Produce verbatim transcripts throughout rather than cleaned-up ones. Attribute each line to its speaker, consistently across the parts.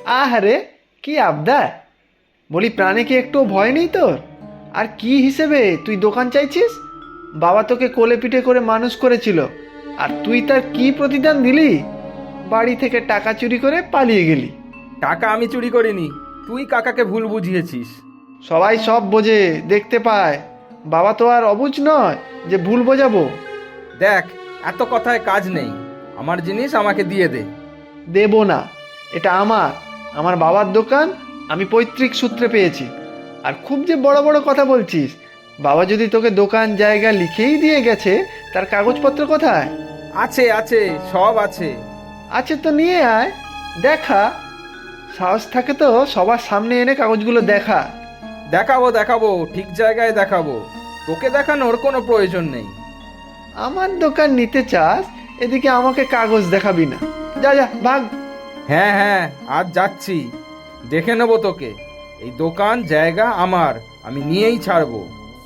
Speaker 1: আহারে, কি আবদার! বলি, প্রাণে কি একটু ভয় নেই তোর? আর কি হিসেবে তুই দোকান চাইছিস? বাবা তোকে কোলে পিঠে করে মানুষ করেছিল, আর তুই তার কি প্রতিদান দিলি? বাড়ি থেকে টাকা চুরি করে পালিয়ে গেলি।
Speaker 2: টাকা আমি চুরি করিনি, তুই কাকাকে ভুল বুঝিয়েছিস।
Speaker 1: সবাই সব বোঝে, দেখতে পায়। বাবা তো আর অবুঝ নয় যে ভুল বোঝাবো।
Speaker 2: দেখ, এত কথায় কাজ নেই, আমার জিনিস আমাকে দিয়ে দে।
Speaker 1: দেবো না, এটা আমার আমার বাবার দোকান, আমি পৈতৃক সূত্রে পেয়েছি। আর খুব যে বড় বড় কথা বলছিস, বাবা যদি তোকে দোকান জায়গা লিখেই দিয়ে গেছে, তার কাগজপত্র কোথায়?
Speaker 2: আছে আছে, সব আছে।
Speaker 1: আছে তো নিয়ে আয়, দেখা। সাহস থাকে তো সবার সামনে এনে কাগজগুলো দেখা।
Speaker 2: দেখাবো দেখাবো, ঠিক জায়গায় দেখাবো, তোকে দেখানোর কোনো প্রয়োজন নেই।
Speaker 1: আমার দোকান নিতে চাস, এদিকে আমাকে কাগজ দেখাবি না। যা যা, ভাগ।
Speaker 2: হ্যাঁ হ্যাঁ, আজ যাচ্ছি, দেখে নেবো তোকে। এই দোকান জায়গা আমার, আমি নিয়েই ছাড়বো।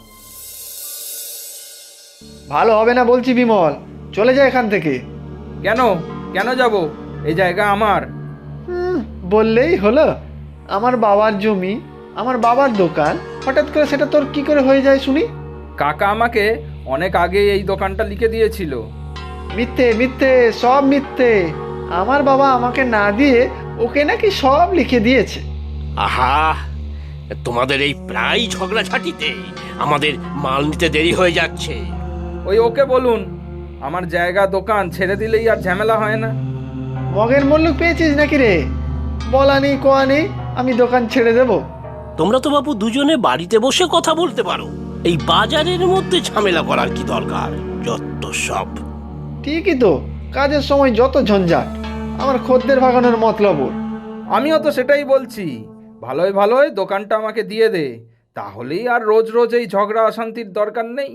Speaker 1: ভালো হবে না বলছি বিমল, চলে যা এখান থেকে।
Speaker 2: কেন কেন যাব? এই জায়গা আমার।
Speaker 1: হুম, বললেই হলো। আমার বাবার জমি, আমার বাবার দোকান, হঠাৎ করে সেটা তোর কি করে হয়ে যায় শুনি?
Speaker 2: কাকা আমাকে অনেক আগে এই দোকানটা লিখে দিয়েছিল।
Speaker 1: মিথ্যে মিথ্যে, সব মিথ্যে। আমার বাবা আমাকে না দিয়ে ওকে নাকি সব লিখে দিয়েছে।
Speaker 3: আহা, তোমাদের এই প্রায় ঝগড়াঝাটিতে আমাদের মাল নিতে দেরি হয়ে যাচ্ছে।
Speaker 2: ওই ওকে বলুন, আমার জায়গা দোকান ছেড়ে দিলেই আর ঝামেলা হয় না।
Speaker 1: মগের মল্লুক পেয়েছিস নাকি রে? বলা নেই কোয়া নেই, আমি দোকান ছেড়ে দেব।
Speaker 3: তোমরা তো বাবু দুজনে বাড়িতে বসে কথা বলতে পারো, এই বাজারের মধ্যে ঝামেলা করার কি দরকার? যত সব।
Speaker 1: ঠিকই তো, কাজের সময় যত ঝঞ্ঝাট, আমার খদ্দের ভাগানোর মতলব ওর।
Speaker 2: আমিও তো সেটাই বলছি, ভালোই ভালোই দোকানটা আমাকে দিয়ে দে, তাহলেই আর রোজ রোজ এই ঝগড়া অশান্তির দরকার নেই।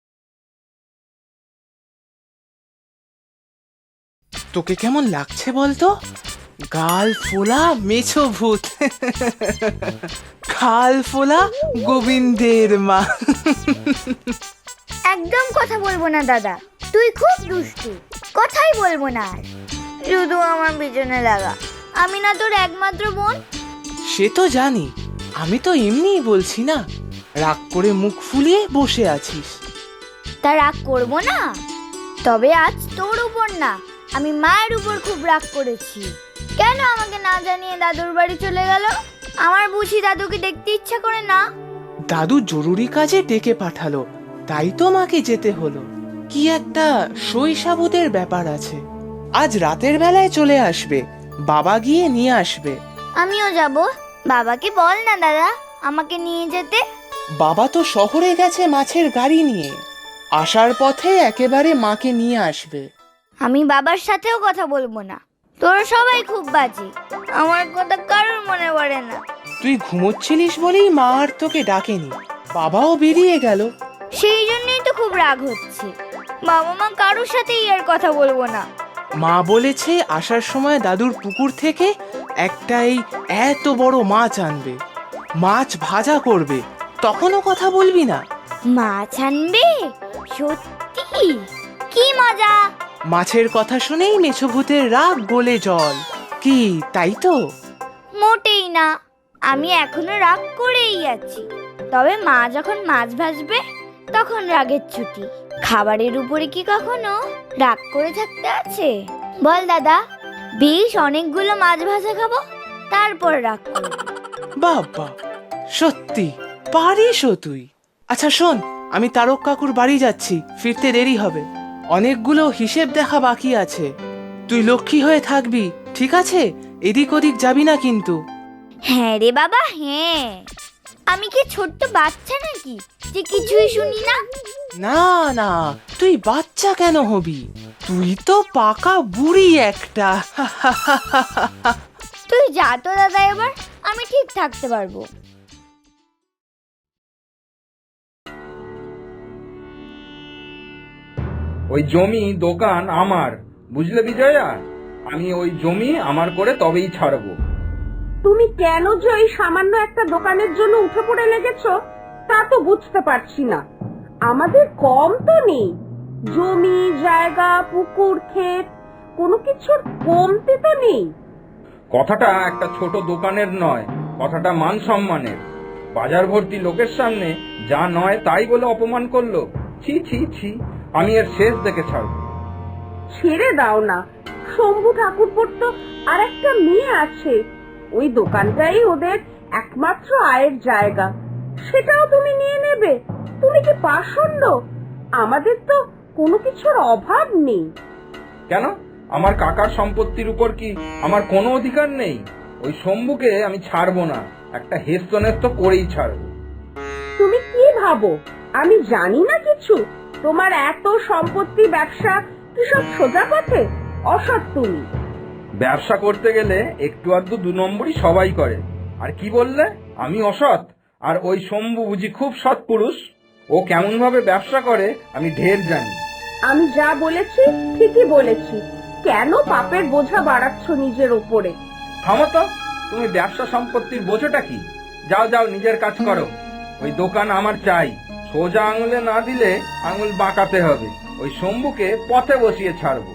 Speaker 4: তোকে কেমন লাগছে বলতো? গাল ফোলা মেছো ভূত, খাল ফোলা গোবিন্দের মা।
Speaker 5: একদম কথা বলবো না দাদা, তুই খুব দুষ্টু। কথাই বলবো না আর। শুধু আমার পিছনে লাগা, আমি না তোর একমাত্র বোন?
Speaker 4: সে তো জানি, আমি তো এমনিই বলছি না। রাগ করে মুখ ফুলিয়ে বসে আছিস।
Speaker 5: তা রাগ করবো না? তবে আজ তোর উপর না, আমি মায়ের উপর খুব রাগ করেছি। কেন আমাকে না জানিয়ে দাদুর বাড়ি চলে গেল? আমার বুঝি দাদুকে দেখতে ইচ্ছা করে না?
Speaker 4: দাদু জরুরি কাজে ডেকে পাঠালো, তাই তো মাকে যেতে হলো। কি একটা শৈশাবুদের ব্যাপার আছে। আজ রাতের বেলায় চলে আসবে, বাবা গিয়ে নিয়ে আসবে।
Speaker 5: আমিও যাব। বাবাকে বল না দাদা আমাকে নিয়ে যেতে।
Speaker 4: বাবা তো শহরে গেছে মাছের গাড়ি নিয়ে, আসার পথে একেবারে মাকে নিয়ে আসবে।
Speaker 5: আমি বাবার সাথেও কথা বলবো না। তোরা সবাই খুব বাজে, আমার কথা কারোর মনে পড়ে না।
Speaker 4: তুই ঘুমোচ্ছিলিস বলেই মা আর তোকে ডাকেনি, বাবাও বেরিয়ে গেল।
Speaker 5: সেই জন্যই তো খুব রাগ হচ্ছে। বাবা মা কারোর সাথেই আর কথা বলবো না।
Speaker 4: মা বলেছে আসার সময় দাদুর পুকুর থেকে একটা এই এত বড় মাছ আনবে, মাছ ভাজা করবে, তখনও কথা বলবি না?
Speaker 5: মাছ আনবে? সত্যি? কি মজা!
Speaker 4: মাছের কথা শুনেই মেছভূতের রাগ গলে জল। কি তাই তো?
Speaker 5: মোটেই না, আমি এখনো রাগ করেই আছি। তবে মা যখন মাছ ভাজবে তখন রাগের ছুটি। খাবারের উপরে কি কখনো রাগ করে থাকতে আছে? বল দাদা, বেশ অনেকগুলো মাছ ভাজা খাবো, তারপর রাগ করব।
Speaker 4: বাবা, সত্যি পারিসও তুই। আচ্ছা শোন, আমি তারক কাকুর বাড়ি যাচ্ছি, ফিরতে দেরি হবে। অনেকগুলো হিসেব দেখা বাকি আছে। তুই লক্ষ্মী হয়ে থাকবি, ঠিক আছে? এদিক ওদিক যাবি না কিন্তু।
Speaker 5: হ্যাঁ রে বাবা, হ্যাঁ। আমি কি ছোট্ট বাচ্চা নাকি যে কিছুই শুনি না?
Speaker 4: না না, তুই বাচ্চা কেন হবি? তুই তো পাকা বুড়ি একটা।
Speaker 5: তুই যা তো দাদা, এবার আমি ঠিক থাকতে পারবো।
Speaker 2: ওই জমি দোকান আমার, বুঝলে বিজয়া? আমি ওই জমি আমার করে তবেই ছাড়বো।
Speaker 6: তুমি কেন যে ওই সামান্য একটা দোকানের জন্য উঠে পড়ে লেগেছো তা তো বুঝতে পারছি না। আমাদের কম তো নেই, জমি জায়গা পুকুর ক্ষেত কোনো কিছুর কমতি তো নেই।
Speaker 2: কথাটা একটা ছোট দোকানের নয়, কথাটা মান সম্মানের। বাজার ভর্তি লোকের সামনে যা নয় তাই বলে অপমান করলো। ছি ছি ছি, আমি এর শেষ দেখে ছাড়ব।
Speaker 6: ছেড়ে দাও না, শম্ভু ঠাকুরপোর তো আর একটা মেয়ে আছে, ওই দোকানটাই ওদের একমাত্র আয়ের জায়গা, সেটাও তুমি নিয়ে নেবে? তুমি কি পাষণ্ড? আমাদের তো কোনো কিছুর অভাব নেই।
Speaker 2: কেন, আমার কাকার সম্পত্তির উপর কি আমার কোনো অধিকার নেই? ওই শম্ভুকে আমি ছাড়বো না, একটা হেস্তনেস্ত করেই ছাড়বো।
Speaker 6: তুমি কি ভাবো আমি জানি না কিছু? তোমার এত সম্পত্তি, ব্যবসা কি সব সোজা পথে? অসৎ তুমি।
Speaker 2: ব্যবসা করতে গেলে একটু আধটু দু নম্বরই সবাই করে। আর কি বললে আমি অসৎ? আর ওই শম্ভু বুঝি খুব সৎ পুরুষ? ও কেমন ভাবে ব্যবসা করে আমি ঢের জানি।
Speaker 6: আমি যা বলেছি ঠিকই বলেছি, কেন পাপের বোঝা বাড়াচ্ছ নিজের ওপরে?
Speaker 2: থামো তো, তুমি ব্যবসা সম্পত্তির বোঝাটা কি? যাও যাও, নিজের কাজ করো। ওই দোকান আমার চাই, সোজা আঙুলে না দিলে আঙুল বাঁকাতে হবে। ওই শম্ভুকে পথে বসিয়ে ছাড়বো।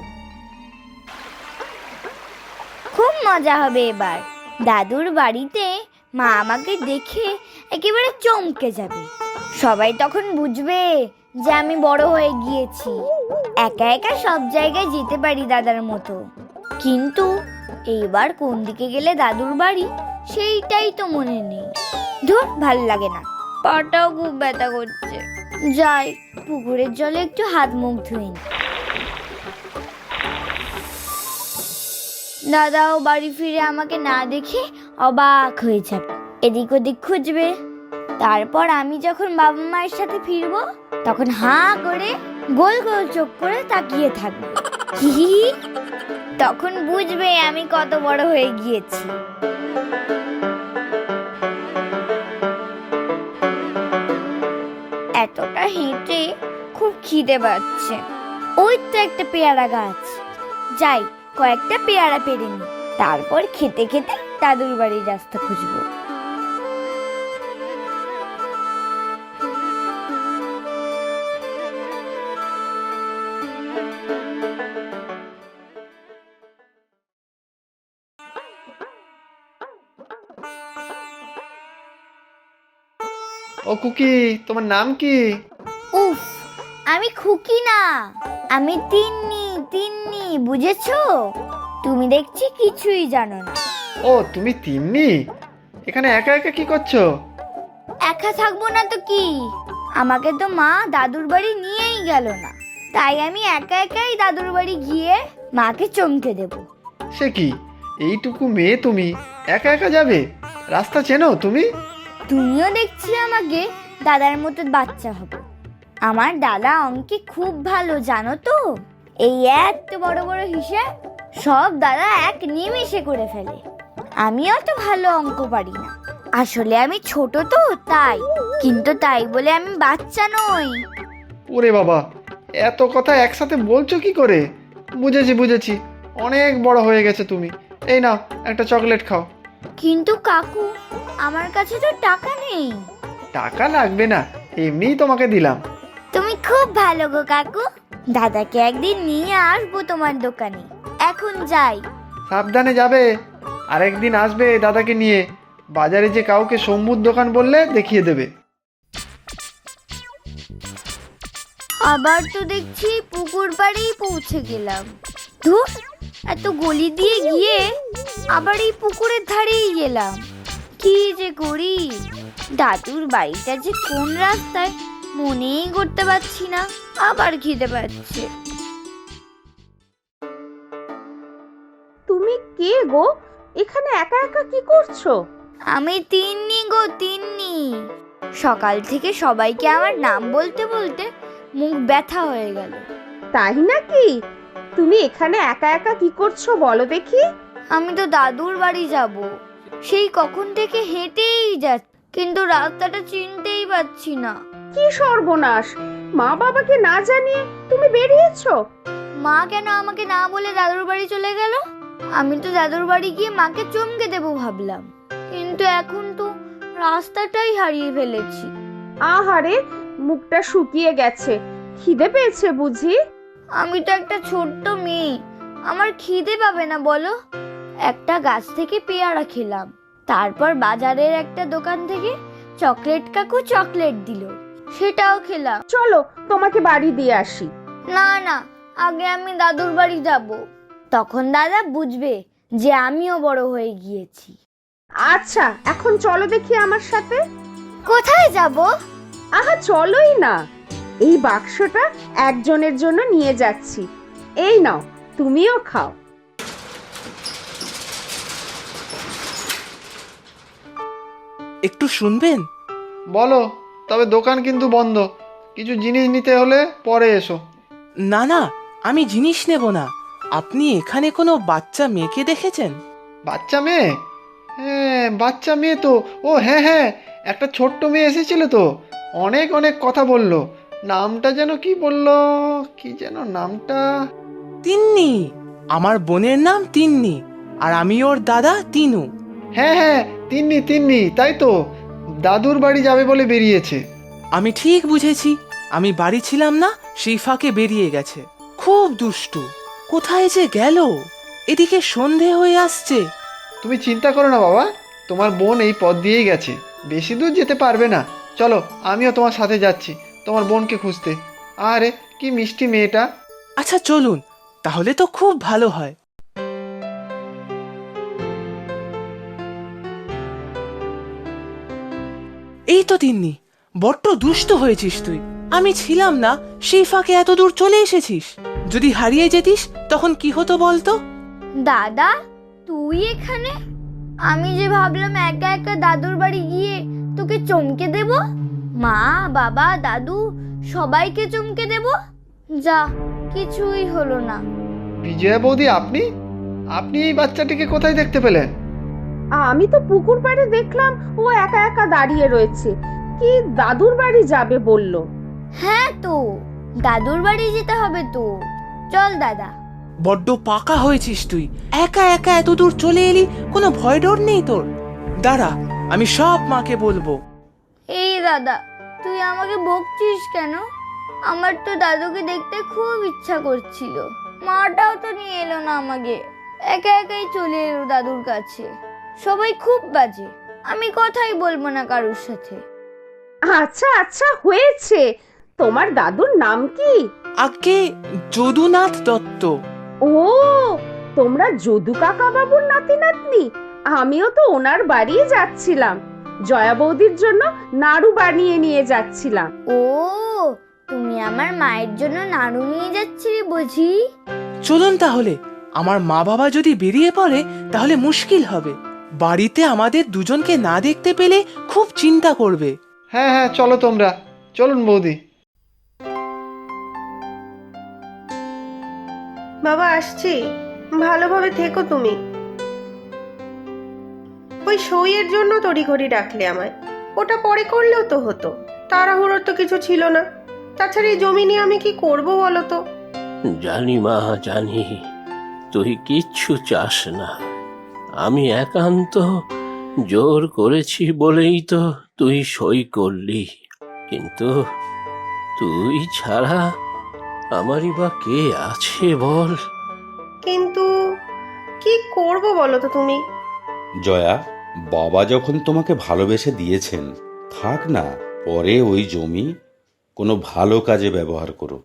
Speaker 5: খুব মজা হবে এবার। দাদুর বাড়িতে মা আমাকে দেখে একেবারে চমকে যাবে। সবাই তখন বুঝবে যে আমি বড় হয়ে গিয়েছি, একা একা সব জায়গায় যেতে পারি দাদার মতো। কিন্তু এইবার কোন দিকে গেলে দাদুর বাড়ি সেইটাই তো মনে নেই। ধুর, ভাল লাগে না, পাটাও খুব ব্যথা করছে। যাই, পুকুরের জলে একটু হাত মুখ ধুই। দাদাও বাড়ি ফিরে আমাকে না দেখে অবাক হয়ে যাবে, এদিক ওদিক খুঁজবে। তারপর আমি যখন বাবা মায়ের সাথে ফিরবো তখন হাঁ করে গোল গোল চোখ করে তাকিয়ে থাকবে। হি হি হি। তখন বুঝবে আমি কত বড় হয়ে গিয়েছি। এতটা হেঁটে খুব খিদে পাচ্ছে। ওই তো একটা পেয়ারা গাছ, যাই কয়েকটা পেয়ারা পেরে নি, তারপর খেতে খেতে দাদুর বাড়ির রাস্তা খুঁজবো।
Speaker 1: ও কুকি, তোমার নাম কি?
Speaker 5: উফ, আমি খুকি না, আমি তিন্নি। তিন্নি, বুঝেছো? তুমি দেখছি কিছুই জানো না।
Speaker 1: ও, তুমি তিন্নি? এখানে একা একা কি করছো?
Speaker 5: একা থাকবো না তো কি, আমাকে তো মা দাদুর বাড়ি নিয়েই গেল না, তাই আমি একা একাই দাদুর বাড়ি গিয়ে মাকে চমকে দেব।
Speaker 1: সে কি, এইটুকু মেয়ে তুমি একা একা যাবে? রাস্তা চেনো তুমি?
Speaker 5: তুমিও দেখছি আমাকে দাদার মতো বাচ্চা হবে। আমার দাদা অঙ্কে খুব ভালো, জানো তো? এই এত বড় বড় হিসাব সব দাদা এক নিমেষে করে ফেলে। আমি অত ভালো অঙ্ক পারি না, আসলে আমি ছোট তো তাই, কিন্তু তাই বলে আমি বাচ্চা নই।
Speaker 1: ওরে বাবা, এত কথা একসাথে বলছো কি করে? বুঝেছি বুঝেছি, অনেক বড় হয়ে গেছে তুমি। এই নাও, একটা চকলেট খাও।
Speaker 5: কিন্তু কাকু, আমার কাছে তো টাকা নেই।
Speaker 1: টাকা লাগবে না, এমনিই তোমাকে দিলাম।
Speaker 5: তুমি খুব ভালো গো কাকু, দাদাকে একদিন নিয়ে আসবো তোমার দোকানে। এখন যাই।
Speaker 1: সাবধানে যাবে, আরেকদিন আসবে দাদাকে নিয়ে। বাজারে যে কাউকে শম্ভুর দোকান বললে দেখিয়ে দেবে।
Speaker 5: আবার তো দেখছি পুকুর পাড়েই পৌঁছে গেলাম। ধুর, এত গলি দিয়ে গিয়ে আবার এই পুকুরের ধারেই গেলাম। কি যে করি, দাদুর বাড়িটা যে কোন রাস্তায় মনেই করতে পারছি না। আবার খিদে পাচ্ছে।
Speaker 6: তুমি কে গো? এখানে একা একা কি করছো?
Speaker 5: আমি তিন্নি গো, তিন্নি। সকাল থেকে সবাইকে আমার নাম বলতে বলতে মুখ ব্যথা হয়ে গেল।
Speaker 6: তাই নাকি? তুমি এখানে একা একা কি করছো বলো দেখি?
Speaker 5: আমি তো দাদুর বাড়ি যাব, সেই কখন থেকে হেঁটেই যাচ্ছি, কিন্তু রাস্তাটা চিনতেই পারছি না।
Speaker 6: কি সর্বনাশ! মা বাবাকে না জানিয়ে তুমি বেরিয়েছো?
Speaker 5: মা কেন আমাকে না বলে দাদুর বাড়ি চলে গেল? আমি তো দাদুর বাড়ি গিয়ে মাকে চমকে দেবো ভাবলাম, কিন্তু এখন তো রাস্তাটাই হারিয়ে ফেলেছি।
Speaker 6: আহারে, মুখটা শুকিয়ে গেছে, খিদে পেয়েছে বুঝি?
Speaker 5: আমি তো একটা ছোট্ট মেয়ে, আমার খিদে পাবে না বলো? একটা গাছ থেকে পেয়ারা খেলাম, তারপর বাজারের একটা দোকান থেকে চকলেট কাকু চকলেট দিল, সেটাও খেলাম।
Speaker 6: চলো তোমাকে বাড়ি দিয়ে আসি।
Speaker 5: না না, আগে আমি দাদুর বাড়ি যাব, তখন দাদা বুঝবে যে আমিও বড় হয়ে গিয়েছি।
Speaker 6: আচ্ছা এখন চলো দেখি আমার সাথে।
Speaker 5: কোথায় যাব?
Speaker 6: আহা চলোই না, এই বাক্সটা একজনের জন্য নিয়ে যাচ্ছি, এই নাও তুমিও খাও।
Speaker 4: একটু শুনবেন?
Speaker 1: বলো, তবে দোকান কিন্তু বন্ধ, কিছু জিনিস নিতে হলে পরে এসো।
Speaker 4: না না, আমি জিনিস নেব না। আপনি এখানে কোনো বাচ্চা মেয়েকে দেখেছেন?
Speaker 1: বাচ্চা মেয়ে? হ্যাঁ বাচ্চা মেয়ে তো, ও হ্যাঁ হ্যাঁ, একটা ছোট্ট মেয়ে এসেছিল তো, অনেক অনেক কথা বললো। নামটা যেন কি বললো, কি যেন নামটা?
Speaker 4: তিন্নি। আমার বোনের নাম তিন্নি, আর আমি ওর দাদা তিনু।
Speaker 1: হ্যাঁ হ্যাঁ, তিন্নি তিন্নি, তাই তো, দাদুর বাড়ি যাবে বলে বেরিয়েছে।
Speaker 4: আমি ঠিক বুঝেছি, আমি বাড়ি ছিলাম না, সেই ফাঁকে বেরিয়ে গেছে। খুব দুষ্টু, কোথায় যে গেল? এদিকে সন্ধে হয়ে আসছে।
Speaker 1: তুমি চিন্তা করো না বাবা, তোমার বোন এই পথ দিয়েই গেছে, বেশি দূর যেতে পারবে না। চলো আমিও তোমার সাথে যাচ্ছি তোমার বোনকে খুঁজতে। আরে কি মিষ্টি মেয়েটা।
Speaker 4: আচ্ছা চলুন, তাহলে তো খুব ভালো হয়। এই তো তিন্নি, বড্ড দুষ্ট হয়েছিস তুই। আমি ছিলাম না, সেই ফাঁকে এত দূর চলে এসেছিস। যদি হারিয়ে যেতিস তখন কি হতো বলতো?
Speaker 5: দাদা, তুই এখানে? আমি যে ভাবলাম একা একা দাদুর বাড়ি গিয়ে তোকে চমকে দেব, মা বাবা দাদু সবাইকে চমকে দেব, যা কিছুই হলো না।
Speaker 1: বিজয়া বৌদি, আপনি আপনি এই বাচ্চাটিকে কোথায় দেখতে পেলেন?
Speaker 6: আমি তো পুকুর পাড়ে দেখলাম ও একা একা দাঁড়িয়ে রয়েছে, কি দাদুর বাড়ি যাবে বলল।
Speaker 5: হ্যাঁ তো, দাদুর বাড়ি যেতে হবে তো, চল দাদা।
Speaker 4: বড্ড পাকা হয়েছিস তুই, একা একা এত দূর চলে এলি, কোনো ভয় ডর নেই তোর? দাঁড়া, আমি সব মাকে বলবো।
Speaker 5: এই দাদা, তুই আমাকে বকছিস কেন? আমার তো দাদুকে দেখতে খুব ইচ্ছা করছিল, মাটাও তো নিয়ে এলো না আমাকে, একা একাই চলে এলো দাদুর কাছে। সবাই খুব বাজে, আমি কথাই বলবো না কারোর সাথে।
Speaker 6: আচ্ছা আচ্ছা হয়েছে, তোমার দাদুর নাম কি?
Speaker 4: আগে যদুনাথ দত্ত।
Speaker 6: ও, তোমরা যদু কাকা বাবুর নাতি নাতনি? আমিও তো ওনার বাড়ি যাচ্ছিলাম, জয়া বৌদির জন্য নাড়ু বানিয়ে নিয়ে যাচ্ছিলাম।
Speaker 5: ও, তুমি আমার মায়ের জন্য নাড়ু নিয়ে যাচ্ছিলে বুঝি?
Speaker 4: চলুন তাহলে, আমার মা বাবা যদি বেরিয়ে পড়ে তাহলে মুশকিল হবে। বাড়িতে আমাদের দুজনকে না দেখতে পেলে খুব চিন্তা করবে।
Speaker 1: হ্যাঁ হ্যাঁ চলো তোমরা, চলুন বৌদি।
Speaker 7: বাবা আসছি, ভালোভাবে থেকো তুমি। ওই সইয়ের জন্য তড়িঘড়ি ডাকলে আমায়, ওটা পরে করলেও তো হতো, তাড়াহুড়োর তো কিছু ছিল না। তাছাড়া এই জমি নিয়ে আমি কি করব বলো তো?
Speaker 3: জানি মা, জানি তুই কিচ্ছু চাস না। আমি একান্ত জোর করেছি বলেই তো তুই সই করলি, কিন্তু তুই ছাড়া আমারই বা কে আছে বল?
Speaker 7: কিন্তু কি করব বলো তো তুমি?
Speaker 8: জয়া, বাবা যখন তোমাকে ভালোবেসে দিয়েছেন, থাক না, পরে ওই জমি কোনো ভালো কাজে ব্যবহার করো।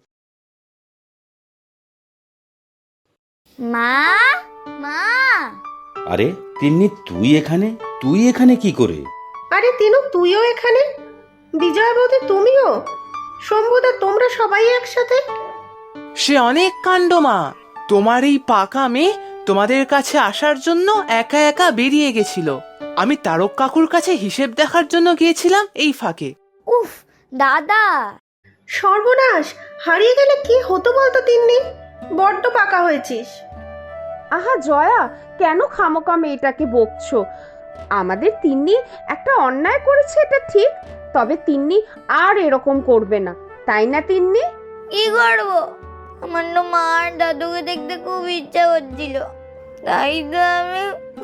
Speaker 5: মা, মা।
Speaker 8: আরে তিন্নি, তুই এখানে তুই এখানে কি করে?
Speaker 7: আরে তিনু, তুইও এখানে? বিজয়া বৌদি তুমিও? শম্ভুদা, তোমরা সবাই একসাথে?
Speaker 4: সে অনেক কাণ্ড মা, তোমার এই পাকা মেয়ে তোমাদের কাছে আসার জন্য একা একা বেরিয়ে গেছিল। আমি তারক কাকুর কাছে হিসেব দেখার জন্য গিয়েছিলাম এই ফাঁকে।
Speaker 5: উফ দাদা,
Speaker 7: সর্বনাশ, হারিয়ে গেলে কি হতো বলতো তিন্নি? বড্ড পাকা হয়েছিস।
Speaker 6: আহা জয়া, কেন খামোকা মেয়েটাকে বকছো? আমাদের তিন্নি একটা অন্যায় করেছে, এটা ঠিক, তবে তিন্নি আর এরকম করবে না, তাই না তিন্নি?
Speaker 5: কি করবো? আমার তো মা আর দাদুকে দেখতে খুব ইচ্ছা করছিল, তাই তো আমি।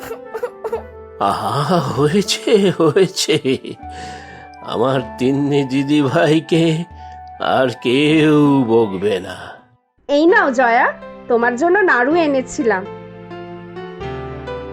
Speaker 3: আহা, হয়েছে হয়েছে, আমার তিন্নি দিদি ভাইকে আর কেউ বকবে না।
Speaker 6: এই নাও জয়া, তোমার জন্য নাড়ু এনেছিলাম।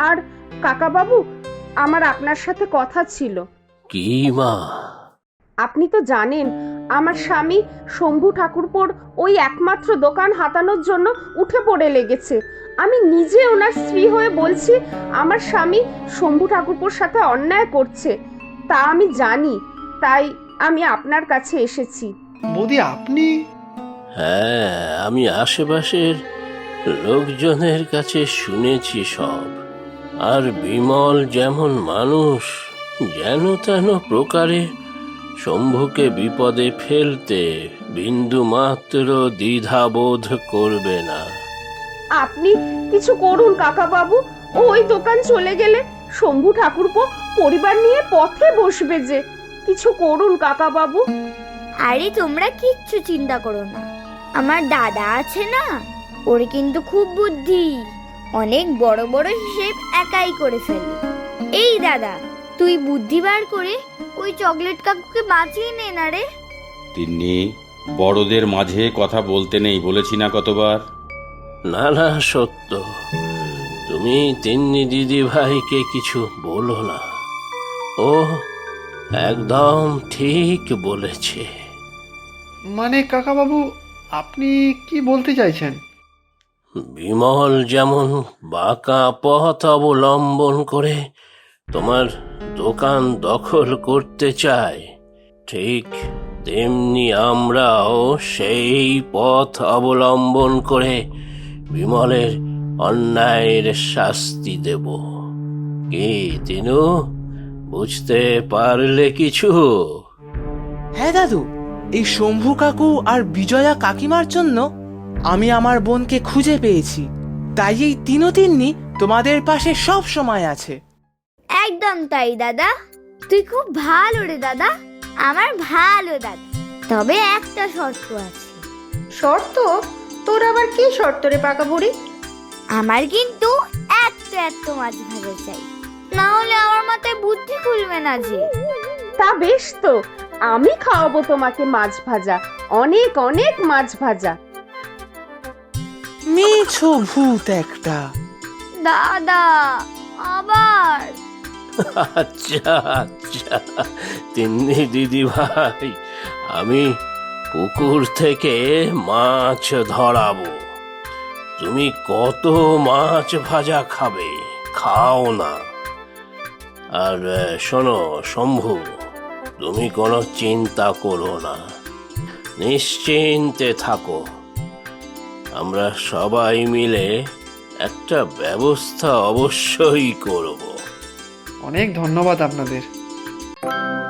Speaker 6: আর কাকা বাবু, আমার আপনার সাথে কথা ছিল।
Speaker 3: কি মা?
Speaker 6: আপনি তো জানেন আমার স্বামী শম্ভু ঠাকুরপোর ওই একমাত্র দোকান হাতানোর জন্য উঠে পড়ে লেগেছে। আমি নিজে ওনার স্ত্রী হয়ে বলছি আমার স্বামী শম্ভু ঠাকুরপোর সাথে অন্যায় করছে, তা আমি জানি, তাই আমি আপনার কাছে এসেছি।
Speaker 1: বৌদি আপনি?
Speaker 3: হ্যাঁ, আমি আশেপাশের লোকজনের কাছে শুনেছি সব। আর বিমল যেমন মানুষ, যেন তেন প্রকারে শম্ভুকে বিপদে ফেলতে বিন্দু মাত্র দ্বিধাবোধ করবে না।
Speaker 6: আপনি কিছু করুন কাকা বাবু, ওই দোকান চলে গেলে শম্ভু ঠাকুরপো পরিবার নিয়ে পথে বসবে যে। কিছু করুন কাকা বাবু।
Speaker 5: আরে তোমরা কিচ্ছু চিন্তা করো না, আমার দাদা আছে না, ওর কিন্তু খুব বুদ্ধি, অনেক বড় বড় হিসেব একাই করে ফেলে। এই দাদা, তুই বুদ্ধি বার করে ওই চকলেট কাকুকে বাঁচিয়ে নে না রে।
Speaker 8: তিন্নি, বড়দের মাঝে কথা বলতে নেই বলেছি না কতবার?
Speaker 3: না না, সত্য, তুমি তিন্নি দিদি ভাইকে কিছু বলো না, ও একদম ঠিক বলেছে।
Speaker 1: মানে কাকাবাবু, আপনি কি বলতে চাইছেন?
Speaker 3: বিমল যেমন বাঁকা পথ অবলম্বন করে তোমার দোকান দখল করতে চায়, ঠিক তেমনি আমরাও সেই পথ অবলম্বন করে বিমলের অন্যায়ের শাস্তি দেব। কি তিনু, বুঝতে পারলে কিছু?
Speaker 4: হ্যাঁ দাদু, এই শম্ভু কাকু আর বিজয়া কাকিমার জন্য আমি আমার বোনকে খুঁজে পেয়েছি, তাই এই তিনও তিন্নি তোমাদের পাশে সব সময় আছে।
Speaker 5: একদম তাই দাদা, তুই খুব ভালো রে দাদা, আমার ভালো দাদা। তবে একটা শর্ত আছে।
Speaker 7: শর্ত? তোর আবার কি শর্ত রে পাকা বুড়ি?
Speaker 5: আমার কিন্তু এত এত মাছ ভাজা চাই, না হলে আমার মাথায় বুদ্ধি খুলবে না যে।
Speaker 6: তা বেশ তো, আমি খাওয়াবো তোমাকে মাছ ভাজা, অনেক অনেক মাছ ভাজা।
Speaker 4: মিছো ভূত একটা।
Speaker 5: দাদা আবার?
Speaker 3: আচ্ছা আচ্ছা তিন্নি দিদি ভাই, আমি পুকুর থেকে মাছ ধরাবো, তুমি কত মাছ ভাজা খাবে খাও না। আর আহ, শোনো শম্ভু, তুমি কোনো চিন্তা করো না, নিশ্চিন্তে থাকো, আমরা সবাই মিলে একটা ব্যবস্থা অবশ্যই করব।
Speaker 1: অনেক ধন্যবাদ আপনাদের।